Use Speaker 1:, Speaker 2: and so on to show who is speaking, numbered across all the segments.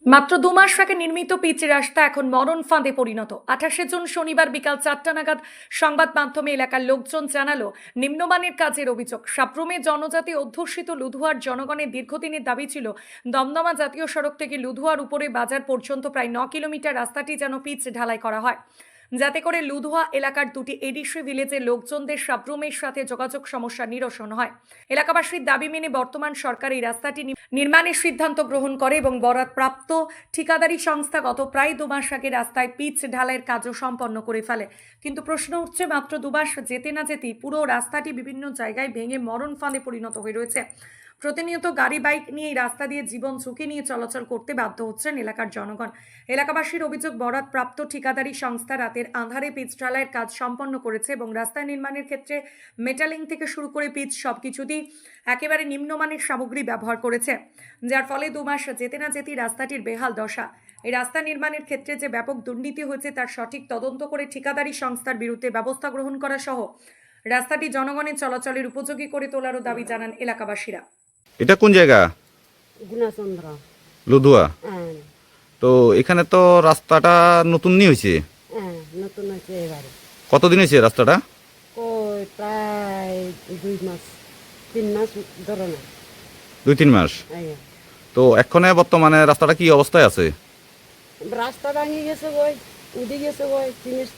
Speaker 1: মাত্র ২ মাস আগে নির্মিত পিচ রাস্তা এখন মরণ ফাঁদে পরিণত। ২৮ জুন শনিবার বিকাল ৪টা নাগাদ সংবাদ মাধ্যমে এলাকার লোকজন জানালো নিম্নমানের কাজের অভিযোগ। সাপ্রুমে জনজাতি অধ্যুষিত লুধুয়ার জনগণের দীর্ঘদিনের দাবি ছিল দমদমা জাতীয় সড়ক থেকে লুধুয়ার উপরে বাজার পর্যন্ত প্রায় ৯ কিলোমিটার রাস্তাটি যেন পিচ ঢালাই করা হয়, যাতে করে লুধুয়া এলাকার দুটি এডিসি ভিলেজের লোকজনদের সাপ্রুমের সাথে যোগাযোগ সমস্যা নিরসন হয়। এলাকাবাসীর দাবি মেনে বর্তমান সরকার এই রাস্তাটি নির্মাণের সিদ্ধান্ত গ্রহণ করে এবং বরাদপ্রাপ্ত ঠিকাদারি সংস্থা গত প্রায় ২ মাস আগে রাস্তায় পিচ ঢালাইয়ের কাজও সম্পন্ন করে ফেলে। কিন্তু প্রশ্ন উঠছে, মাত্র ২ মাস যেতে না যেতেই পুরো রাস্তাটি বিভিন্ন জায়গায় ভেঙে মরণ ফাঁদে পরিণত হয়ে রয়েছে। প্রতিনিয়ত গাড়ি বাইক নিয়ে এই রাস্তা দিয়ে জীবন ঝুঁকি নিয়ে চলাচল করতে বাধ্য হচ্ছেন এলাকার জনগণ। এলাকাবাসীর অভিযোগ, বরাদপ্রাপ্ত ঠিকাদারি সংস্থা রাতের আঁধারে পিচ ঢালাইয়ের কাজ সম্পন্ন করেছে এবং রাস্তা নির্মাণের ক্ষেত্রে মেটালিং থেকে শুরু করে পিচ সবকিছুতেই একেবারে নিম্নমানের সামগ্রী ব্যবহার করেছে, যার ফলে ২ মাস যেতে না যেতেই রাস্তাটির বেহাল দশা। এই রাস্তা নির্মাণের ক্ষেত্রে যে ব্যাপক দুর্নীতি হয়েছে তার সঠিক তদন্ত করে ঠিকাদারি সংস্থার বিরুদ্ধে ব্যবস্থা গ্রহণ করা সহ রাস্তাটি জনগণের চলাচলের উপযোগী করে তোলারও দাবি জানান এলাকাবাসীরা।
Speaker 2: এটা কোন জায়গা?
Speaker 3: গুণাচন্দ্র।
Speaker 2: লুধুয়া।
Speaker 3: হ্যাঁ,
Speaker 2: তো এখানে তো রাস্তাটা নতুন নি হয়েছে।
Speaker 3: হ্যাঁ, নতুন হয়েছে এবারে।
Speaker 2: কতদিন হয়েছে রাস্তাটা?
Speaker 3: ওই প্রায় 2 মাস 3 মাস ধরো না।
Speaker 2: 2-3 মাস।
Speaker 3: আইয়া।
Speaker 2: তো এক্ষণে বর্তমানে রাস্তাটা কি অবস্থায় আছে?
Speaker 3: রাস্তা ভাঙি গেছে গই, উদি গেছে গই, জিনিস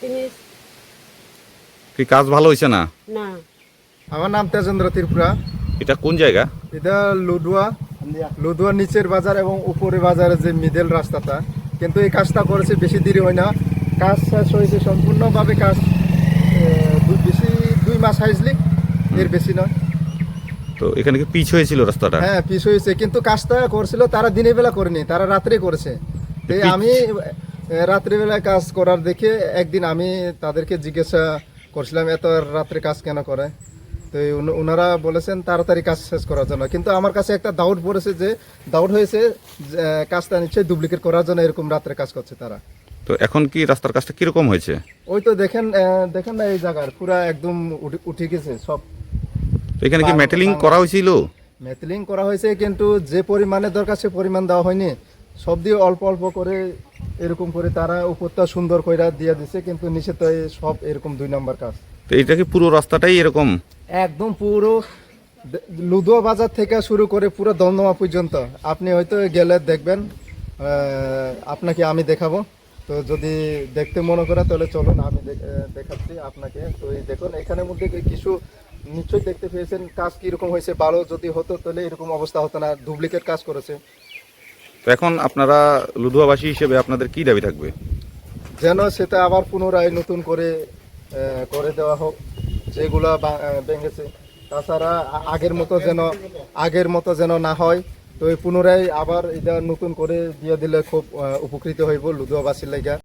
Speaker 2: কি কাজ ভালো হয়েছে না?
Speaker 3: না।
Speaker 4: আমার নাম তেজেন্দ্র ত্রিপুরা।
Speaker 2: এটা কোন জায়গা?
Speaker 4: এটা লুধুয়া নিচের বাজার এবং উপরে বাজারের যে মিডল রাস্তাটা, কিন্তু এই কাজটা করেছে বেশি দেরি হয় না। কাজ শেষ হয়েছে সম্পূর্ণভাবে, কাজ বেশি 2 মাস হাইজলি, এর বেশি নয়।
Speaker 2: তো এখানে কি পিচ হয়েছিল রাস্তাটা?
Speaker 4: হ্যাঁ, পিছ হয়েছে, কিন্তু কাজটা করছিল তারা দিনের বেলা করেনি, তারা রাত্রে করেছে। তো আমি রাত্রিবেলায় কাজ করার দেখে একদিন আমি তাদেরকে জিজ্ঞাসা করছিলাম এত রাত্রে কাজ কেন করে। তো ওনারা বলেছেন তাড়াতাড়ি কাজ শেষ করার জন্য, কিন্তু আমার কাছে একটা ডাউট হয়েছে কাজটা নিশ্চয়ই ডুপ্লিকেট করার জন্য এরকম রাত্রে কাজ করছে তারা।
Speaker 2: তো এখন কি রাস্তার কাজটা কিরকম হয়েছে?
Speaker 4: ওই তো দেখেন না, এই জায়গার পুরা একদম উঠে গেছে সব।
Speaker 2: তো এখানে কি মেটালিং করা হয়েছিল?
Speaker 4: মেটালিং করা হয়েছে, কিন্তু যে পরিমাণে দরকার সে পরিমাণ দেওয়া হয়নি। সব দিয়ে অল্প অল্প করে এরকম করে তারা উপরটা সুন্দর করে দিয়ে দিছে, কিন্তু নিচে তো সব এরকম 2 নম্বর কাজ।
Speaker 2: তো এটা কি পুরো রাস্তাটাই এরকম?
Speaker 4: একদম পুরো লুধুয়া বাজার থেকে শুরু করে পুরো দমদমা পর্যন্ত আপনি হয়তো গেলে দেখবেন, আপনাকে আমি দেখাবো। তো যদি দেখতে মনে করে তাহলে চলুন, আমি দেখাচ্ছি আপনাকে। তো এই দেখুন, এখানের মধ্যে কিছু নিশ্চয়ই দেখতে পেয়েছেন কাজ কীরকম হয়েছে। ভালো যদি হতো তাহলে এরকম অবস্থা হতো না, ডুপ্লিকেট কাজ করেছে।
Speaker 2: তো এখন আপনারা লুধুয়াবাসী হিসেবে আপনাদের কি দাবি থাকবে?
Speaker 4: যেন সেটা আবার পুনরায় নতুন করে দেওয়া হোক, যেগুলো ভেঙেছে। তাছাড়া আগের মতো যেন না হয়। তো পুনরায় আবার এটা নতুন করে দিয়ে দিলে খুব উপকৃত হইব লুধুয়াবাসীর লাগা।